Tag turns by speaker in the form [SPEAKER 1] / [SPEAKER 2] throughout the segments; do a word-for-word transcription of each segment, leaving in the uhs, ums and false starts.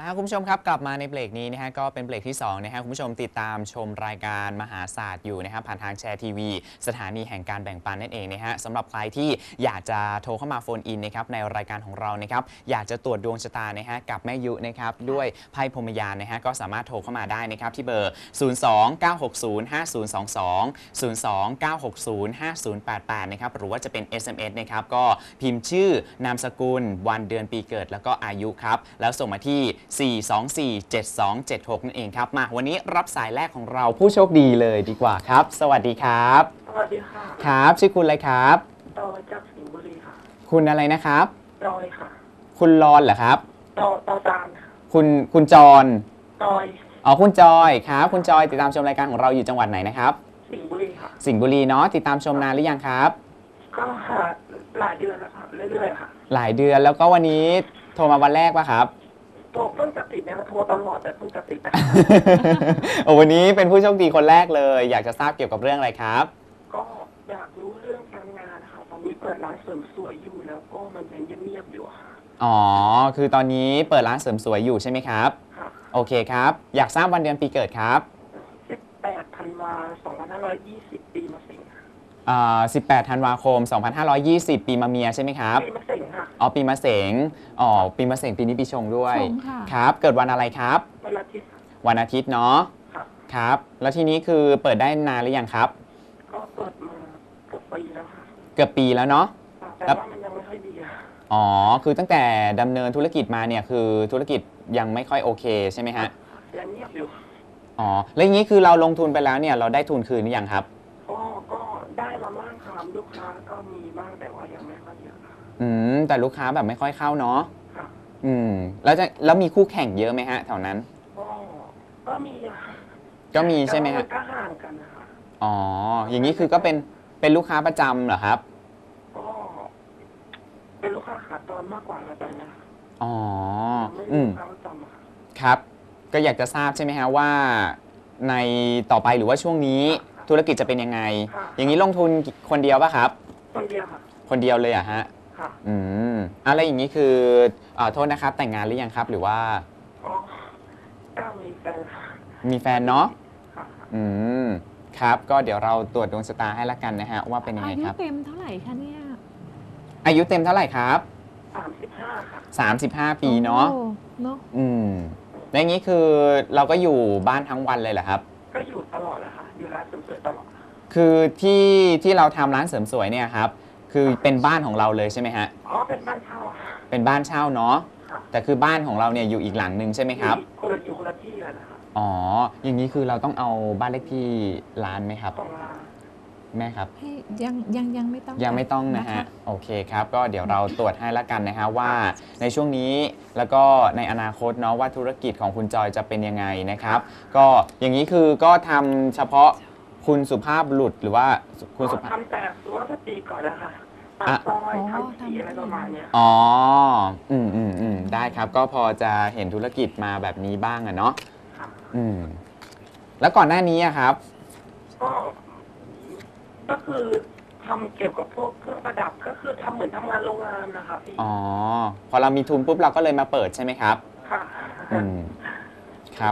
[SPEAKER 1] ฮะคุณผู้ชมครับกลับมาในเบรกนี้นะฮะก็เป็นเบรกที่สองนะฮะคุณผู้ชมติดตามชมรายการมหาศาสตร์อยู่นะครับผ่านทางแชร์ทีวีสถานีแห่งการแบ่งปันนั่นเองนะฮะสำหรับใครที่อยากจะโทรเข้ามาโฟนอินนะครับในรายการของเรานะครับอยากจะตรวจดวงชะตานะฮะกับแม่ยุนะครับด้วยไพ่พรหมยานนะฮะก็สามารถโทรเข้ามาได้นะครับที่เบอร์ ศูนย์ สอง เก้า หก ศูนย์ ห้า ศูนย์ สอง สอง ศูนย์ สอง เก้า หก ศูนย์ ห้า ศูนย์ แปด แปดนะครับหรือว่าจะเป็น เอส เอ็ม เอส นะครับก็พิมพ์ชื่อนามสกุลวันเดือนปีเกิดแล้วก็อายุครับแล้วส่งมาที่สี่ สอง สี่ เจ็ด สอง เจ็ด หกนั่นเองครับมาวันนี้รับสายแรกของเราผู้โชคดีเลยดีกว่าครับสวัสดีครับ
[SPEAKER 2] สวัสดีค่ะ
[SPEAKER 1] ครับชื่อคุณอะไรครับ
[SPEAKER 2] ตอยจากสิงห์บุรีค่ะ
[SPEAKER 1] คุณอะไรนะครับ
[SPEAKER 2] ตอยค่ะ
[SPEAKER 1] คุณรอนเหรอครับ
[SPEAKER 2] ตอตอจาน
[SPEAKER 1] คุณคุณจร
[SPEAKER 2] ตอย
[SPEAKER 1] อ๋อคุณจอยครับคุณจอยติดตามชมรายการของเราอยู่จังหวัดไหนนะครับ
[SPEAKER 2] สิงห์บุรีค่ะ
[SPEAKER 1] สิงห์บุรีเนาะติดตามชมนานหรือยังครับ
[SPEAKER 2] ก็ค่ะหลายเดือนแล้วค่ะเรื่อยๆค่ะ
[SPEAKER 1] หลายเดือนแล้วก็วันนี้โทรมาวันแรกป่ะครับ
[SPEAKER 2] โทรเพิ่งจะติดเนี่ยโทรตลอดแต่เพิ่งจะติด
[SPEAKER 1] โอ้วันนี้เป็นผู้โชคดีคนแรกเลยอยากจะทราบเกี่ยวกับเรื่องอะไรครับ
[SPEAKER 2] ก็อยากรู้เรื่องการงานค่ะตอนนี้เปิดร้านเสริมสวยอยู่แล้วก็มันยังเงียบๆอยู่ค่ะ
[SPEAKER 1] อ๋อคือตอนนี้เปิดร้านเสริมสวยอยู่ใช่ไหมครับ
[SPEAKER 2] ค่ะ
[SPEAKER 1] โอเคครับอยากทราบวันเดือนปีเกิดครับ
[SPEAKER 2] สิบแปดธันวาสองพันห้าร้อยยี่สิบปีมะเส็ง
[SPEAKER 1] อ่าสิบแปดธันวาคมสองพันห้าร้อยยี่สิบปีมะเมียใช่ไหมครับ
[SPEAKER 2] ปีมะเส็งค่ะ
[SPEAKER 1] อ๋อปีมะเสงอ๋อปีมะเสงปีนี้ปีชงด้วยครับเกิดวันอะไรครับ
[SPEAKER 2] วันอาทิตย์
[SPEAKER 1] วันอาทิตย์เนาะครับแล้วทีนี้คือเปิดได้นานหรือยังครับ
[SPEAKER 2] ก็เปิดมาเกือบปีแล้วค่ะ
[SPEAKER 1] เกือบปีแล้วเนาะ
[SPEAKER 2] แต่ว่ามันยังไม่ค่อยดี
[SPEAKER 1] อ๋อคือตั้งแต่ดำเนินธุรกิจมาเนี่ยคือธุรกิจยังไม่ค่อยโอเคใช่ไหมฮะ
[SPEAKER 2] ยังเงียบอยู่
[SPEAKER 1] อ๋อแล้วอย่างนี้คือเราลงทุนไปแล้วเนี่ยเราได้ทุนคืนหรือยังครับ
[SPEAKER 2] ก็ก็ได้มาบ้างครับลูกค้าก็มีบ้างแต่ว่ายังไม่ค่อยเยอะ
[SPEAKER 1] อืมแต่ลูกค้าแบบไม่ค่อยเข้าเนาะ
[SPEAKER 2] ค่ะ
[SPEAKER 1] อืมแล้วจะแล้วมีคู่แข่งเยอะไหมฮะแถวนั้น
[SPEAKER 2] ก็ก็มี
[SPEAKER 1] ก็มีใช่ไหมฮะ
[SPEAKER 2] ก็ห่างกันนะคะ
[SPEAKER 1] อ๋ออย่างนี้คือก็เป็นเป็นลูกค้าประจำเหรอครับ
[SPEAKER 2] ก็เป็นลูกค้าขาตอนมากกว่าตอนนี้
[SPEAKER 1] อ๋อ
[SPEAKER 2] อืมประจำ
[SPEAKER 1] ครับก็อยากจะทราบใช่ไหมฮะว่าในต่อไปหรือว่าช่วงนี้ธุรกิจจะเป็นยังไงอย่างนี้ลงทุนคนเดียวป่ะครับ
[SPEAKER 2] คนเดียวค่ะ
[SPEAKER 1] คนเดียวเลยอะฮะ
[SPEAKER 2] ค่ะ
[SPEAKER 1] อืมอะไรอย่างนี้คืออ่าโทษนะครับแต่งงานหรือยังครับหรือว่า
[SPEAKER 2] อ๋อก็มีแฟน
[SPEAKER 1] มีแฟนเนาะอืมครับก็เดี๋ยวเราตรวจดวงชะตาให้ละกันนะฮะว่าเป็นยังไงครับ
[SPEAKER 3] อายุเต็มเท่าไหร่คะเนี่ย
[SPEAKER 1] อายุเต็มเท่าไหร่ครับ
[SPEAKER 2] สามสิบห้าค่ะ
[SPEAKER 1] สามสิบห้าปีเนาะ
[SPEAKER 3] เนาะ
[SPEAKER 1] อืมแล้วอย่างนี้คือเราก็อยู่บ้านทั้งวันเลยเหรอครับ
[SPEAKER 2] ก็อยู่ตลอดแหละค่ะอยู่ร้านเสริมสวยตลอด
[SPEAKER 1] คือที่ที่เราทำร้านเสริมสวยเนี่ยครับคือเป็นบ้านของเราเลยใช่ไหมฮะ
[SPEAKER 2] อ๋อเป็นบ้านเช่า
[SPEAKER 1] เป็นบ้านเช่าเนาะแต่คือบ้านของเราเนี่ยอยู่อีกหลังนึงใช่ไหมครับ
[SPEAKER 2] คนละอยู่คนละที่กันนะคะ
[SPEAKER 1] อ๋ออย่างนี้คือเราต้องเอาบ้านเลขที่ร้านไหมครับ
[SPEAKER 2] ต้องร้าน
[SPEAKER 1] แม่ครับ
[SPEAKER 3] ยังยังยังไม่ต้อง
[SPEAKER 1] ยังไม่ต้องนะฮะโอเคครับก็เดี๋ยวเราตรวจให้ละกันนะฮะว่าในช่วงนี้แล้วก็ในอนาคตเนาะว่าธุรกิจของคุณจอยจะเป็นยังไงนะครับก็อย่างนี้คือก็ทำเฉพาะคุณสุภาพบุรุษหรือว่าคุณสุภาพ
[SPEAKER 2] ทำแต่สุภาพสตรีก่อนนะคะตัดซอยทำสีอะไรประมาณนี้
[SPEAKER 1] อ๋ออืมอืมอืมได้ครับก็พอจะเห็นธุรกิจมาแบบนี้บ้างอะเนาะอืมแล้วก่อนหน้านี้อะครับ
[SPEAKER 2] ก็ก็คือทำเกี่ยวกับพวกเครื่องประดับก็คือทำเหมือนทำงานโรงงานนะคะพี่
[SPEAKER 1] อ๋อพอเรามีทุนปุ๊บเราก็เลยมาเปิดใช่ไหมครับ
[SPEAKER 2] ค่ะ
[SPEAKER 1] อืมครับ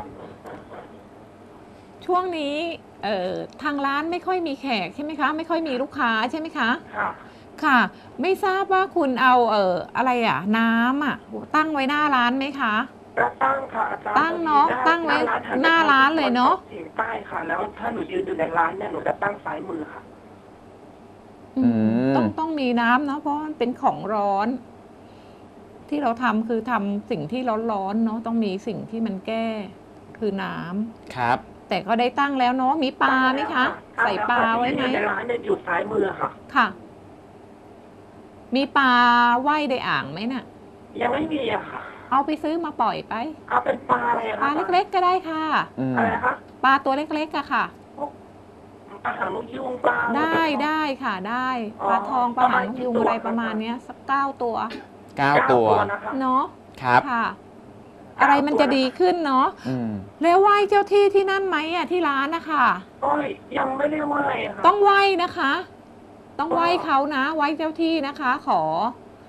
[SPEAKER 3] ช่วงนี้เอ่อทางร้านไม่ค่อยมีแขกใช่ไหมคะไม่ค่อยมีลูกค้าใช่ไหมคะ
[SPEAKER 2] ค่ะ
[SPEAKER 3] ค่ะไม่ทราบว่าคุณเอาเอ่ออะไรอ่ะน้ำอ่ะตั้งไว้หน้าร้านไหมคะ
[SPEAKER 2] ตั้งค่ะ
[SPEAKER 3] ตั้งเนาะตั้งไว้หน้าร้านเลยเนาะ
[SPEAKER 2] ถึงใต้ค่ะแล้วถ้าหนูยืนอยู่ในร้านเนี่ยหนูจะตั้งซ้ายมือค่ะ
[SPEAKER 3] ต้องต้องมีน้ำเนาะเพราะมันเป็นของร้อนที่เราทำคือทำสิ่งที่ร้อนๆเนาะต้องมีสิ่งที่มันแก้คือน้
[SPEAKER 1] ำครับ
[SPEAKER 3] แต่ก็ได้ตั้งแล้วเนาะมีปลาไหมคะใส่ปลาไว้ไหม
[SPEAKER 2] ในร้านเนี่ยอยู่ซ้ายมือค่ะ
[SPEAKER 3] ค่ะมีปลาว่ายในอ่างไหมน่ะ
[SPEAKER 2] ยังไม่มีอะค่ะ
[SPEAKER 3] เอาไปซื้อมาปล่อยไป
[SPEAKER 2] เอาเป็นปลาอะไร
[SPEAKER 3] ปลาเล็กๆก็ได้ค่ะ
[SPEAKER 2] อะไรคะ
[SPEAKER 3] ปลาตัวเล็กๆอะค่ะ
[SPEAKER 2] ปลาหางนกยูงปลา
[SPEAKER 3] ได้ได้ค่ะได้ปลาทองปลาหางนกยูงอะไรประมาณนี้สักเก้าตัว
[SPEAKER 1] เก้าตัว
[SPEAKER 3] เนาะ
[SPEAKER 1] ครับ
[SPEAKER 3] ค่ะอะไรมันจะดีขึ้นเนาะแล้วไหว้เจ้าที่ที่นั่นไหมอ่ะที่ร้านนะคะ
[SPEAKER 2] ก็ยังไม่ได้ไหว้ค่ะ
[SPEAKER 3] ต้องไหว้นะคะต้องไหว้เขานะไหว้เจ้าที่นะคะขอข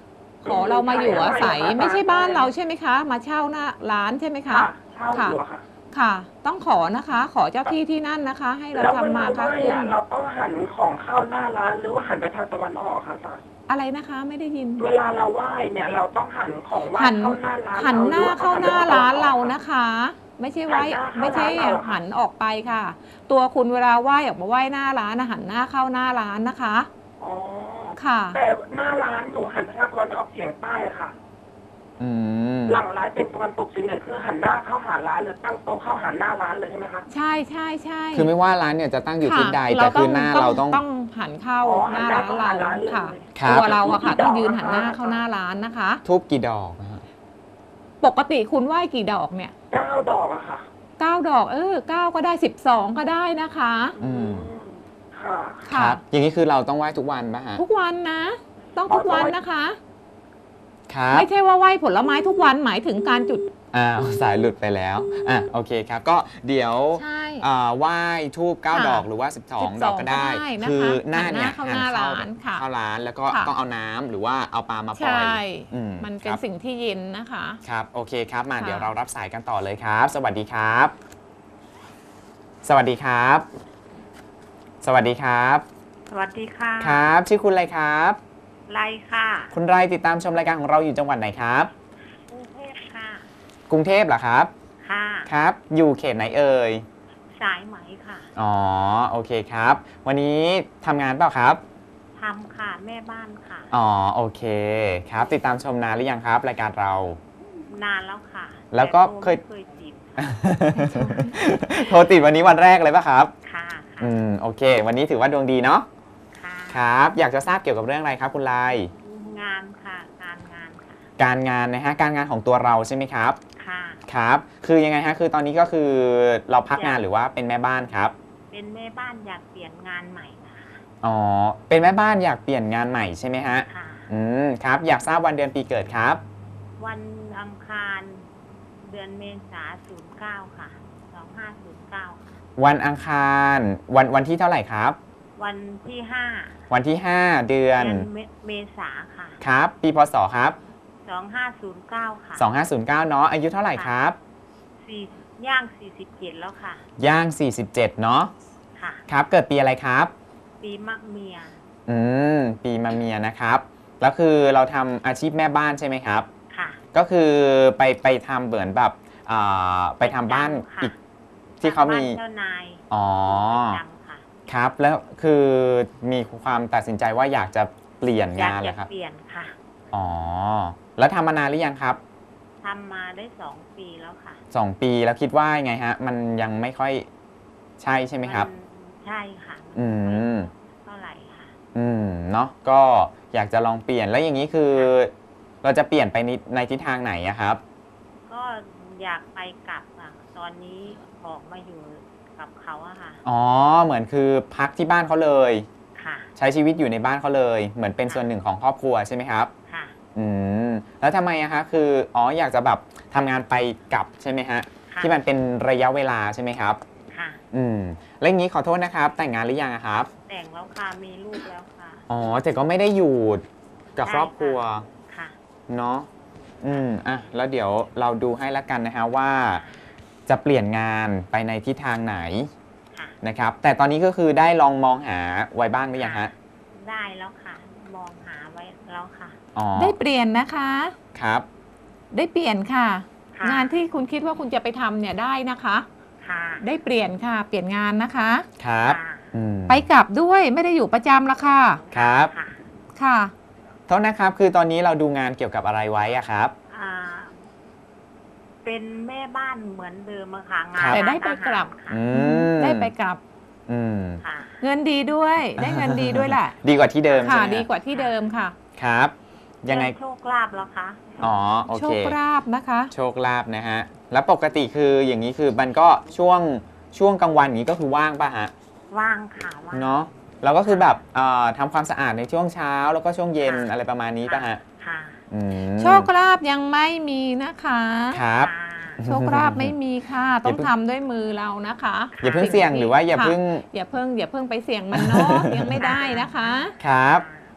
[SPEAKER 3] ขอเรามาอยู่อาศัยไม่ใช่บ้านเราใช่ไหมคะ มาเช่าหน้าร้านใช่ไหมคะ
[SPEAKER 2] ค่ะเช่าอยู่อะค่ะ
[SPEAKER 3] ค่ะ ต้องขอนะคะ ขอเจ้าที่ที่นั่นนะคะ ให้เรา
[SPEAKER 2] แล้วเว
[SPEAKER 3] ทำมา
[SPEAKER 2] ลา
[SPEAKER 3] ค้า
[SPEAKER 2] ไหว้
[SPEAKER 3] ขึ้น
[SPEAKER 2] อะเราต้องหันของเข้าหน้าร้านหรือว่าหันไปทางตะวันออกค่ะอาจารย์
[SPEAKER 3] อะไรนะคะไม่ได้ยิน
[SPEAKER 2] เวลาเราไหว้เนี่ยเราต้องหันของไหว้
[SPEAKER 3] หัน
[SPEAKER 2] เข้าหน้าร้าน
[SPEAKER 3] หันหน้า
[SPEAKER 2] รือว่
[SPEAKER 3] เข้าหน้า
[SPEAKER 2] หั
[SPEAKER 3] ร้าน
[SPEAKER 2] ตะวั
[SPEAKER 3] เรา
[SPEAKER 2] ออก
[SPEAKER 3] นะคะ ไม่ใช่ไหว้
[SPEAKER 2] หันหน้าเข้า
[SPEAKER 3] ไม่ใช่
[SPEAKER 2] ร้านเรา
[SPEAKER 3] หันออกไปค่ะ ตัวคุณเวลาไหว้ออกมาไหว้หน้าร้านนะหันหน้าเข้าหน้าร้านนะคะ
[SPEAKER 2] อ๋อ
[SPEAKER 3] ค่ะ
[SPEAKER 2] แต่หน้าร้านหนูหันไปทางตะวันออกเฉียงใต้ค่ะ
[SPEAKER 1] อืม
[SPEAKER 2] หลังร้านเป็นตะวันตกเฉียงเหนือคือหันหน้าเข้าหาร้านหรือตั้งโต๊ะเข้าหาหน้าร้านเลยใช่ไหมคะ
[SPEAKER 3] ใช่ใช่ใช่
[SPEAKER 1] คือไม่ว่าร้านเนี่ยจะตั้งอยู่ทิศใด
[SPEAKER 3] ค่ะ
[SPEAKER 1] แต่คือหน้าเราต้อง
[SPEAKER 3] ต้องหันเข้า
[SPEAKER 2] อ๋อ
[SPEAKER 3] หน้า
[SPEAKER 2] หันหน้า
[SPEAKER 3] ร้าน
[SPEAKER 2] เข้า
[SPEAKER 3] เรา
[SPEAKER 2] หาร้านเลย
[SPEAKER 3] ค่ะ
[SPEAKER 1] ครับ
[SPEAKER 3] ตัวเราอะค่ะ
[SPEAKER 2] กี่ดอก
[SPEAKER 3] ต้องยืนหันหน้า
[SPEAKER 2] นะคะ
[SPEAKER 3] เข้าหน้าร้านนะคะ
[SPEAKER 1] ทูบกี่ดอกนะฮะ
[SPEAKER 3] ปกติคุณไหว้กี่ดอกเนี่ย
[SPEAKER 2] เก้าดอกอะค่ะ
[SPEAKER 3] เก้าดอกเออเก้าก็ได้สิบสองก็ได้นะคะ
[SPEAKER 1] อืม
[SPEAKER 2] ค่ะ
[SPEAKER 1] ค
[SPEAKER 3] ค่ะ
[SPEAKER 1] รับ อย่างนี้คือเราต้องไหว้ทุกวันป่ะฮะ
[SPEAKER 3] ทุกวันนะ ต้องทุกวันนะคะ
[SPEAKER 1] ครับ
[SPEAKER 3] ไม่ใช่ว่าไหว้ผลไม้ทุกวันหมายถึงการจุด
[SPEAKER 1] อ้าวสายหลุดไปแล้วอ่ะโอเคครับ ก็เดี๋ยว
[SPEAKER 3] ใช่
[SPEAKER 1] อ่าไหว้ทูบเก้า
[SPEAKER 3] ค่ะ
[SPEAKER 1] ดอกหรือว่า สิบสอง
[SPEAKER 3] สิบสอง
[SPEAKER 1] ดอกก็ได้
[SPEAKER 3] ก็ได้นะคะ
[SPEAKER 1] คือหน้าเนี่ย
[SPEAKER 3] หันหน้าเข้าหน้าร้านค่ะ
[SPEAKER 1] เข้าร้านแล้วก็
[SPEAKER 3] ค่ะ
[SPEAKER 1] ต้องเอาน้ำหรือว่าเอาปลามาปล่อย
[SPEAKER 3] ใช่
[SPEAKER 1] อืม
[SPEAKER 3] มันเป็น
[SPEAKER 1] ครับ
[SPEAKER 3] สิ่งที่เย็นนะคะ
[SPEAKER 1] ครับโอเคครับมา
[SPEAKER 3] ค่ะ
[SPEAKER 1] เดี๋ยวเรารับสายกันต่อเลยครับ สวัสดีครับ สวัสดีครับ สวัสดีครับ
[SPEAKER 4] สวัสดีค่ะ
[SPEAKER 1] ครับ ชื่อคุณอะไรครับ
[SPEAKER 4] ไลค่ะ
[SPEAKER 1] คุณไรติดตามชมรายการของเราอยู่จังหวัดไหนครับ
[SPEAKER 4] กรุงเทพค่ะ
[SPEAKER 1] กรุงเทพเหรอครับ
[SPEAKER 4] ค่ะ
[SPEAKER 1] ครับ อยู่เขตไหนเอ่ย
[SPEAKER 4] สายไหมค่ะ
[SPEAKER 1] อ๋อโอเคครับ วันนี้ทำงานเปล่าครับ
[SPEAKER 4] ทำค่ะ แม่บ้านค่ะ
[SPEAKER 1] อ๋อโอเคครับ ติดตามชมนานหรือยังครับ รายการเรา
[SPEAKER 4] นานแล้วค่ะ
[SPEAKER 1] แล้วก็
[SPEAKER 4] ต่
[SPEAKER 1] เคย
[SPEAKER 4] โทรไม่เคยจีบค่ะ
[SPEAKER 1] โทรติดวันนี้วันแรกเลยป่ะครับ
[SPEAKER 4] ค่ะ ค่ะ
[SPEAKER 1] อืมโอเค วันนี้ถือว่าดวงดีเนาะ
[SPEAKER 4] ค่ะ
[SPEAKER 1] ครับ อยากจะทราบเกี่ยวกับเรื่องอะไรครับคุณไล
[SPEAKER 4] งานค่ะ การงานค่ะ
[SPEAKER 1] การงานนะฮะการงานของตัวเราใช่ไหมครับ
[SPEAKER 4] ค่ะ
[SPEAKER 1] ครับ คือยังไงฮะคือตอนนี้ก็คือเราพักงานหรือว่าเป็นแม่บ้านครับ
[SPEAKER 4] เป็นแม่บ้านอยากเปลี่ยนงานใหม่นะคะ
[SPEAKER 1] อ๋อเป็นแม่บ้านอยากเปลี่ยนงานใหม่ใช่ไหมฮะ
[SPEAKER 4] ค่ะ
[SPEAKER 1] อืมครับอยากทราบวันเดือนปีเกิดครับ
[SPEAKER 4] วันอังคาร เดือนเมษาศูนย์เก้าค่ะสองห้าศูนย์เก้าค่ะ
[SPEAKER 1] วันอังคารวันวันที่เท่าไหร่ครับ
[SPEAKER 4] วันที่ห้า
[SPEAKER 1] วันที่ ห้า เดือน
[SPEAKER 4] เดือนเมเมษาค่ะ
[SPEAKER 1] ครับ ปีพศครับ
[SPEAKER 4] สองห้าศูนย์เก้าค่ะ
[SPEAKER 1] สองห้าศูนย์เก้าเนาะอายุเท่าไหร่ครับ
[SPEAKER 4] สี่ย่างสี่สิบเจ็ดแล้วค่ะ
[SPEAKER 1] ย่าง สี่สิบเจ็ด เนาะ
[SPEAKER 4] ค่ะ
[SPEAKER 1] ครับ เกิดปีอะไรครับ
[SPEAKER 4] ปีมะเมีย
[SPEAKER 1] อืมปีมะเมียนะครับแล้วคือเราทำอาชีพแม่บ้านใช่ไหมครับ
[SPEAKER 4] ค่ะ
[SPEAKER 1] ก็คือไปไปทำเหมือนแบบอ่าไปทำบ้าน
[SPEAKER 4] ค่ะ
[SPEAKER 1] อีกที่เขามี
[SPEAKER 4] บ้นเจ้านาย
[SPEAKER 1] อ๋อ
[SPEAKER 4] ประจำค่ะ
[SPEAKER 1] ครับแล้วคือมีความตัดสินใจว่าอยากจะเปลี่ยนาย
[SPEAKER 4] อยางก
[SPEAKER 1] เหร
[SPEAKER 4] จะ
[SPEAKER 1] อครับ
[SPEAKER 4] เปลี่ยนค่ะ
[SPEAKER 1] อ๋อแล้วทำมานานหรือยังครับ
[SPEAKER 4] ทำมาได้สองปีแล้วค่ะ
[SPEAKER 1] สองปีแล้วคิดว่ายังไงฮะมันยังไม่ค่อยใช่ใช่ไหมครับ
[SPEAKER 4] นใช่ค่ะ
[SPEAKER 1] อืม
[SPEAKER 4] เท่าไหร่ค่ะ
[SPEAKER 1] อืมเนาะก็อยากจะลองเปลี่ยนแล้วอย่างนี้คือ เราจะเปลี่ยนไปในในทิศทางไหนอะครับ
[SPEAKER 4] ก็อยากไปกลับค่ะ ตอนนี้ออกมาอยู่กับเขาอะค่ะ
[SPEAKER 1] อ๋อเหมือนคือพักที่บ้านเขาเลย
[SPEAKER 4] ค่ะ
[SPEAKER 1] ใช้ชีวิตอยู่ในบ้านเขาเลย เหมือนเป็นส่วนหนึ่งของครอบครัวใช่ไหมครับ
[SPEAKER 4] ค่ะ
[SPEAKER 1] อืมแล้วทำไมอะคะคืออ๋ออยากจะแบบทำงานไปกลับใช่ไหมฮะ
[SPEAKER 4] ค่ะ
[SPEAKER 1] ที่มันเป็นระยะเวลาใช่ไหมครับ
[SPEAKER 4] ค่ะ
[SPEAKER 1] อืมแล้วอย่างนี้ขอโทษนะครับ แต่งงานหรือยังอะครับ
[SPEAKER 4] แต่งแล้วค่ะ มีลูกแล้วค่ะ
[SPEAKER 1] อ๋อแต่ก็ไม่ได้อยู่กับ
[SPEAKER 4] ใช่
[SPEAKER 1] ครอบครัว
[SPEAKER 4] ค่ะ
[SPEAKER 1] เนาะอืมอ่ะแล้วเดี๋ยวเราดูให้ละกันนะฮะว่า จะเปลี่ยนงานไปในทิศทางไหน
[SPEAKER 4] ค่ะ
[SPEAKER 1] นะครับ แต่ตอนนี้ก็คือได้ลองมองหาไว้บ้างหรือยังฮะ
[SPEAKER 4] ได้แล้วค่ะ มองหาไว้แล้วค่ะ
[SPEAKER 1] อ๋อ
[SPEAKER 3] ได้เปลี่ยนนะคะ
[SPEAKER 1] ครับ
[SPEAKER 3] ได้เปลี่ยนค่ะ
[SPEAKER 4] ค่ะ
[SPEAKER 3] งานที่คุณคิดว่าคุณจะไปทำเนี่ยได้นะคะ
[SPEAKER 4] ค่ะ
[SPEAKER 3] ได้เปลี่ยนค่ะ เปลี่ยนงานนะคะ
[SPEAKER 1] ครับ
[SPEAKER 4] ค่ะ
[SPEAKER 1] อืม
[SPEAKER 3] ไปกลับด้วยไม่ได้อยู่ประจำละค่ะ
[SPEAKER 1] ครับ
[SPEAKER 4] ค่ะ
[SPEAKER 3] ค่ะ
[SPEAKER 1] โทษนะครับ คือตอนนี้เราดูงานเกี่ยวกับอะไรไว้อะครับ
[SPEAKER 4] อ่า เป็นแม่บ้านเหมือนเดิมอะค่ะงา
[SPEAKER 1] ครั
[SPEAKER 4] น
[SPEAKER 1] บ
[SPEAKER 3] แต่ได้ไปกลับ
[SPEAKER 4] ค่ะ
[SPEAKER 1] อืม
[SPEAKER 3] ได้ไปกลับ
[SPEAKER 1] อืม
[SPEAKER 4] ค่ะ
[SPEAKER 3] เงินดีด้วย ได้เงินดีด้วยแหละ
[SPEAKER 1] ดีกว่าที่เดิมใช่
[SPEAKER 3] ค่ะ
[SPEAKER 1] ไหมฮะ
[SPEAKER 3] ดีกว่าที่เดิมค่ะ
[SPEAKER 1] ครับ ยังไง
[SPEAKER 4] เรื่องโชคลาภแล้วคะ
[SPEAKER 1] อ๋อโอ
[SPEAKER 3] โช
[SPEAKER 1] เค
[SPEAKER 3] คลาภนะคะ
[SPEAKER 1] โชคลาภนะฮะ แล้วปกติคืออย่างนี้คือมันก็ช่วงช่วงกลางวันอย่างนี้ก็คือว่างป่ะฮะ
[SPEAKER 4] ว่างค่ะว่าง
[SPEAKER 1] เนาะเราก็คือแบบเอ่อทำความสะอาดในช่วงเช้า แล้วก็ช่วงเย็น
[SPEAKER 4] ค่ะ
[SPEAKER 1] อะไรประมาณนี้ป่ะฮะ
[SPEAKER 4] ค่ะ
[SPEAKER 1] อืม
[SPEAKER 3] โชคลาภยังไม่มีนะคะ
[SPEAKER 1] ครับ
[SPEAKER 4] ค่ะ
[SPEAKER 3] โชคลาภไม่มีค่ะ ต้องทำด้วยมือเรานะคะ
[SPEAKER 1] อย่าเพิ่งเสี่ยงหรือว่าอย่า
[SPEAKER 3] ค่ะ
[SPEAKER 1] เพิ่ง
[SPEAKER 3] อย่าเพิ่งอย่าเพิ่งไปเสี่ยงมันเนาะ ยังไม่ได้นะคะ
[SPEAKER 1] ครับ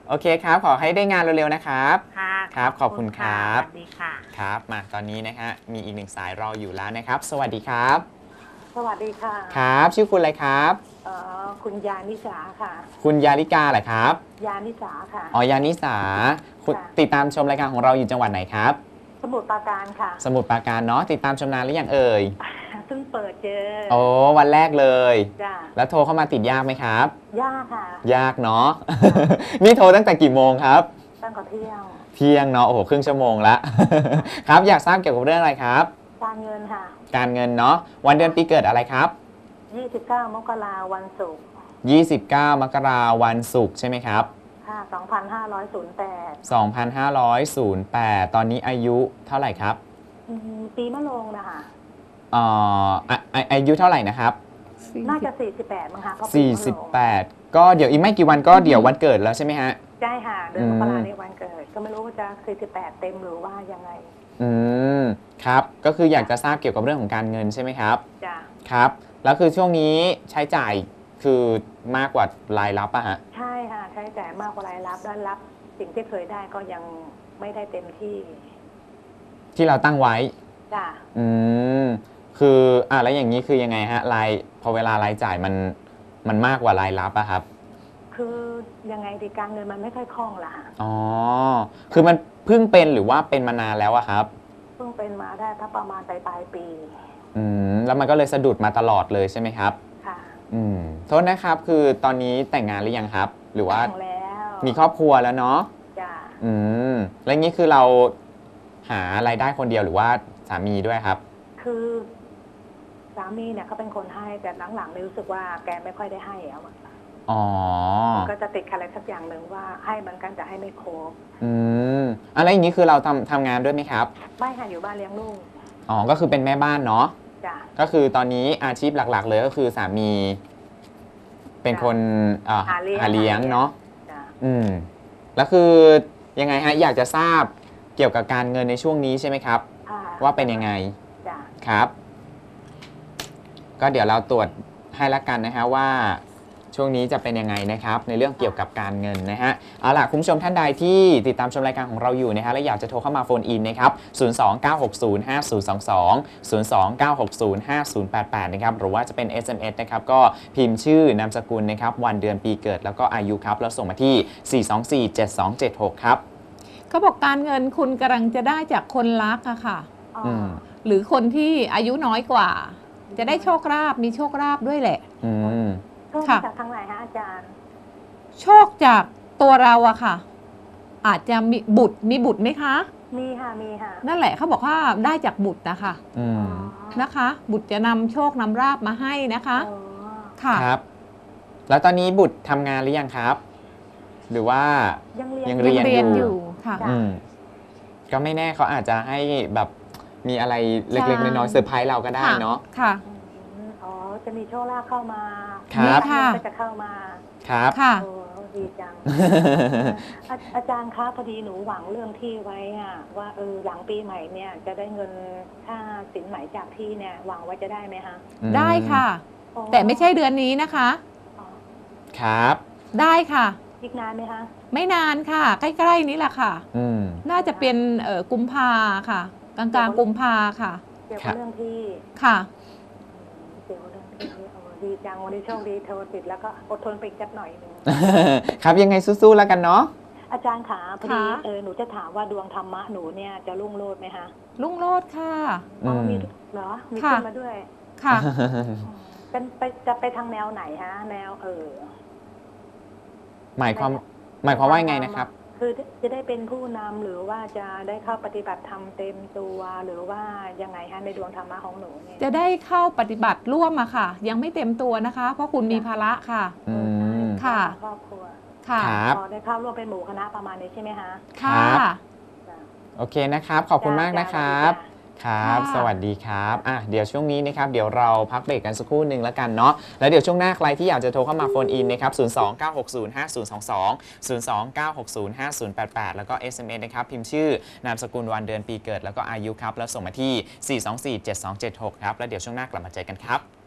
[SPEAKER 1] โอเคครับ ขอให้ได้งานเร็วๆนะครับ
[SPEAKER 4] ค่ะ
[SPEAKER 1] ครับขอบคุณครับ
[SPEAKER 4] สวัสดีค่ะ
[SPEAKER 1] ครับมาตอนนี้นะฮะมีอีกหนึ่งสายรออยู่แล้วนะครับ สวัสดีครับ
[SPEAKER 2] สวัสดีค่ะ
[SPEAKER 1] ครับชื่อคุณอะไรครับ
[SPEAKER 2] เอ่อคุณยานิสาค่ะ
[SPEAKER 1] คุณยาลิกาเหรอครับ
[SPEAKER 2] ยานิสาค่ะ
[SPEAKER 1] อ๋อยานิสาคุณ
[SPEAKER 2] ค่ะ
[SPEAKER 1] ติดตามชมรายการของเราอยู่จังหวัดไหนครับ
[SPEAKER 2] สมุทรปราการค่ะ
[SPEAKER 1] สมุทรปราการเนาะติดตามชมนานหรือยังเอ่ย
[SPEAKER 2] เพิ่งเปิดเจอ
[SPEAKER 1] โอ้วันแรกเลย
[SPEAKER 2] จ้ะ
[SPEAKER 1] แล้วโทรเข้ามาติดยากไหมครับ
[SPEAKER 2] ยากค่ะ
[SPEAKER 1] ยากเนาะ นี่โทรตั้งแต่กี่โมงครับ
[SPEAKER 2] ตั้งแต่เที่ยง
[SPEAKER 1] เที่ยงเนาะโอ้โหครึ่งชั่วโมงละ ครับอยากทราบเกี่ยวกับเรื่องอะไรครับ
[SPEAKER 2] การเงินค่ะ
[SPEAKER 1] การเงินเนาะวันเดือนปีเกิดอะไรครับ
[SPEAKER 2] ยี่สิบเก้ามกราวันศุกร์
[SPEAKER 1] ยี่สิบเก้ามกราวันศุกร์ใช่ไหมครับ
[SPEAKER 2] ค่ะสองพันห้าร้อยแปด
[SPEAKER 1] สองพันห้าร้อยแปด ตอนนี้อายุเท่าไหร่ครับ
[SPEAKER 2] ปีมะโรงนะคะ
[SPEAKER 1] เอ่ออ่ะอ่ะอายุเท่าไหร่นะครับ
[SPEAKER 2] น่าจะสี่สิบแปดมั้งคะเพราะปี
[SPEAKER 1] สี่
[SPEAKER 2] มะโรง
[SPEAKER 1] สิบแปด ก็เดี๋ยวอีกไม่กี่วันก็เดี๋ยววันเกิดแล้วใช่ไหมฮะ
[SPEAKER 2] ใช่ค่ะ เดือน
[SPEAKER 1] อืม
[SPEAKER 2] มกราในวันเกิด ก็ไม่รู้ว่าจะสี่สิบแปดเต็มหรือว่ายังไง
[SPEAKER 1] อืมครับก็คืออยากจะทราบเกี่ยวกับเรื่องของการเงินใช่ไหมครับ
[SPEAKER 2] จ้ะ
[SPEAKER 1] ครับแล้วคือช่วงนี้ใช้จ่ายคือมากกว่ารายรับอะฮะ
[SPEAKER 2] ใช่ค่ะ ใช้จ่ายมากกว่ารายรับด้านรับ สิ่งที่เคยได้ก็ยังไม่ได้เต็มที่
[SPEAKER 1] ที่เราตั้งไว้
[SPEAKER 2] จ้ะ
[SPEAKER 1] อืมคืออ่ะแล้วอย่างนี้คือยังไงฮะรายพอเวลารายจ่ายมันมันมากกว่ารายรับอะครับ
[SPEAKER 2] คือยังไงดีการเงินมันไม่ค่อยคล่องละค่ะ
[SPEAKER 1] อ๋อคือมันเพิ่งเป็นหรือว่าเป็นมานานแล้วอะครับ
[SPEAKER 2] เพิ่งเป็นมาได้ถ้าประมาณปลายปลายปี
[SPEAKER 1] อืมแล้วมันก็เลยสะดุดมาตลอดเลยใช่ไหมครับ
[SPEAKER 2] ค่ะ
[SPEAKER 1] อืมโทษนะครับคือตอนนี้แต่งงานหรือยังครับ หรือว่า
[SPEAKER 2] แต่งแล้ว
[SPEAKER 1] มีครอบครัวแล้วเนาะ
[SPEAKER 2] จ้ะ
[SPEAKER 1] อืมแล้วงี้คือเราหารายได้คนเดียวหรือว่าสามีด้วยครับ
[SPEAKER 2] คือสามีเนี่ยเขาเป็นคนให้แต่หลังๆเนี่ยรู้สึกว่าแกไม่ค่อยได้ให้แล้วอะ
[SPEAKER 1] อ๋อ
[SPEAKER 2] ก็จะติดอะไรสักอย่างหนึ่งว่าให้เหมือนกันแต่ให้ไม่ครบ
[SPEAKER 1] อืมอะไรอย่างนี้คือเราทำทำงานด้วยไหมครับ
[SPEAKER 2] ไม่ค่ะอยู่บ้านเลี้ยงลูก
[SPEAKER 1] อ๋อ ก็คือเป็นแม่บ้านเนาะ
[SPEAKER 2] จ้ะ
[SPEAKER 1] ก็คือตอนนี้อาชีพหลักๆ เลยก็คือสามี เป็นคนเอ่อ
[SPEAKER 2] หาเลี้ยง
[SPEAKER 1] หาเลี้ยงเนาะ
[SPEAKER 2] จ้ะ
[SPEAKER 1] อืม แล้วคือยังไงฮะ อยากจะทราบเกี่ยวกับการเงินในช่วงนี้ใช่ไหมครับ
[SPEAKER 2] ค่ะ
[SPEAKER 1] ว่าเป็นยังไง
[SPEAKER 2] จ้ะ
[SPEAKER 1] ครับ ก็เดี๋ยวเราตรวจให้ละกันนะฮะว่าช่วงนี้จะเป็นยังไงนะครับในเรื่องเกี่ยวกับการเงินนะฮะเอาล่ะคุณผู้ชมท่านใดที่ติดตามชมรายการของเราอยู่นะฮะและอยากจะโทรเข้ามาโฟนอินนะครับศูนย์ สอง เก้า หก ศูนย์ ห้า ศูนย์ สอง สอง ศูนย์ สอง เก้า หก ศูนย์ ห้า ศูนย์ แปด แปดนะครับหรือว่าจะเป็น เอส เอ็ม เอส นะครับก็พิมพ์ชื่อนามสกุลนะครับวันเดือนปีเกิดแล้วก็อายุครับแล้วส่งมาที่ สี่ สอง สี่ เจ็ด สอง เจ็ด หก ครับ
[SPEAKER 3] เขาบอกการเงินคุณกำลังจะได้จากคนรักอะค่ะ
[SPEAKER 2] อ๋อ
[SPEAKER 1] อืม
[SPEAKER 3] หรือคนที่อายุน้อยกว่า จะได้โชคลาภมีโชคลาภด้วยแหละ
[SPEAKER 1] อืม
[SPEAKER 2] ก็
[SPEAKER 3] ค่ะ
[SPEAKER 2] มาจากทางไหนฮะอาจารย์
[SPEAKER 3] โชคจากตัวเราอะค่ะ อาจจะมีบุตรมีบุตรไหมคะ
[SPEAKER 2] มีค่ะมีค่ะ
[SPEAKER 3] นั่นแหละเขาบอกว่าได้จากบุตรนะคะ
[SPEAKER 1] อื
[SPEAKER 2] อ๋อ
[SPEAKER 1] ม
[SPEAKER 3] นะคะ บุตรจะนำโชคนำราบมาให้นะคะ
[SPEAKER 2] อ๋อ
[SPEAKER 3] ค่ะ
[SPEAKER 1] ครับ แล้วตอนนี้บุตรทำงานหรือยังครับ หรือว่า
[SPEAKER 2] ยังเรียน
[SPEAKER 1] ยัง
[SPEAKER 3] ยัง
[SPEAKER 1] เรียน
[SPEAKER 3] เรียน
[SPEAKER 1] อ
[SPEAKER 3] อยู่ ยู่ค่ะ
[SPEAKER 2] จ้ะ
[SPEAKER 1] อืมก็ไม่แน่เขาอาจจะให้แบบมีอะไรเล็กๆ
[SPEAKER 3] ใช่
[SPEAKER 1] น้อยๆเซอร์ไพรส์เราก็ได้เนาะ
[SPEAKER 3] ค่ะ
[SPEAKER 2] อืมอ๋อจะมีโชคลาภเข้ามา
[SPEAKER 1] ครับ
[SPEAKER 2] มี
[SPEAKER 3] ค่ะ
[SPEAKER 2] ก็จะเข้ามา
[SPEAKER 1] ครับ
[SPEAKER 3] ค่ะ
[SPEAKER 2] โอ้ดีจัง อาอาจารย์คะพอดีหนูหวังเรื่องที่ไว้อะว่าเออหลังปีใหม่เนี่ยจะได้เงินค่าสินไหมจากที่เนี่ยหวังว่าจะได้ไหมคะ
[SPEAKER 3] ได้ค่ะ
[SPEAKER 2] อ๋อ
[SPEAKER 3] แต่ไม่ใช่เดือนนี้นะคะ
[SPEAKER 2] อ๋อ
[SPEAKER 1] ครับ
[SPEAKER 3] ได้ค่ะ
[SPEAKER 2] อีกนานไหมคะ
[SPEAKER 3] ไม่นานค่ะ ใกล้ๆนี้แหละค่ะ
[SPEAKER 1] อืม
[SPEAKER 3] น่าจะเป็นเอ่อกุมภาค่ะ กลางๆกุมภาค่ะ
[SPEAKER 2] เกี่ยว
[SPEAKER 1] ครั
[SPEAKER 2] กับบ เรื่องที่
[SPEAKER 3] ค่ะ
[SPEAKER 2] เกี่ยวกับเรื่องที่โอ้ดีจังวันนี้โชคดีโทรติดแล้วก็อดทนไปอีกสักหน่อยหนึง
[SPEAKER 1] ครับยังไงสู้ๆแล้วกันเนาะ
[SPEAKER 2] อาจารย์ขาพอดี
[SPEAKER 3] ค่ะ
[SPEAKER 2] เออหนูจะถามว่าดวงธรรมะหนูเนี่ยจะรุ่งโรจน์ไหมคะ
[SPEAKER 3] รุ่งโรจน์ค่ะ
[SPEAKER 2] อ๋อ
[SPEAKER 1] อืม
[SPEAKER 2] มีเหรอมี
[SPEAKER 3] ค่ะ
[SPEAKER 2] ขึ้นมาด้วย
[SPEAKER 3] ค่ะ
[SPEAKER 2] เป็นไปจะไปทางแนวไหนฮะ แนวเออ
[SPEAKER 1] หมายความหมายความว่ายังไงนะครับ
[SPEAKER 2] คือจะได้เป็นผู้นำหรือว่าจะได้เข้าปฏิบัติธรรมเต็มตัวหรือว่ายังไงฮะในดวงธรรมะของหนูเนี่ย
[SPEAKER 3] จะได้เข้าปฏิบัติร่วมอะค่ะ ยังไม่เต็มตัวนะคะ เพราะคุณมีภาระค่ะ
[SPEAKER 1] อืม
[SPEAKER 3] ค่ะ
[SPEAKER 2] ครอบครัว
[SPEAKER 3] ค่ะ
[SPEAKER 1] ครับ
[SPEAKER 2] พอได้เข้าร่วมเป็นหมู่คณะประมาณนี้ใช่ไหมฮะ
[SPEAKER 3] ค่ะ
[SPEAKER 2] จ้ะ
[SPEAKER 1] โอเคนะครับ ขอบคุณมากนะครับ ครับ
[SPEAKER 3] ค่ะ
[SPEAKER 1] สวัสดีครับอ่ะเดี๋ยวช่วงนี้นะครับ เดี๋ยวเราพักเบรกกันสักครู่หนึ่งแล้วกันเนาะ แล้วเดี๋ยวช่วงหน้าใครที่อยากจะโทรเข้ามาโฟนอินนะครับ ศูนย์ สอง เก้า หก ศูนย์ ห้า ศูนย์ สอง สอง ศูนย์ สอง เก้า หก ศูนย์ ห้า ศูนย์ แปด แปด แล้วก็ เอส เอ็ม เอส นะครับ พิมพ์ชื่อนามสกุลวันเดือนปีเกิด แล้วก็อายุครับ แล้วส่งมาที่ สี่ สอง สี่ เจ็ด สอง เจ็ด หก ครับ แล้วเดี๋ยวช่วงหน้ากลับมาเจอกันครับ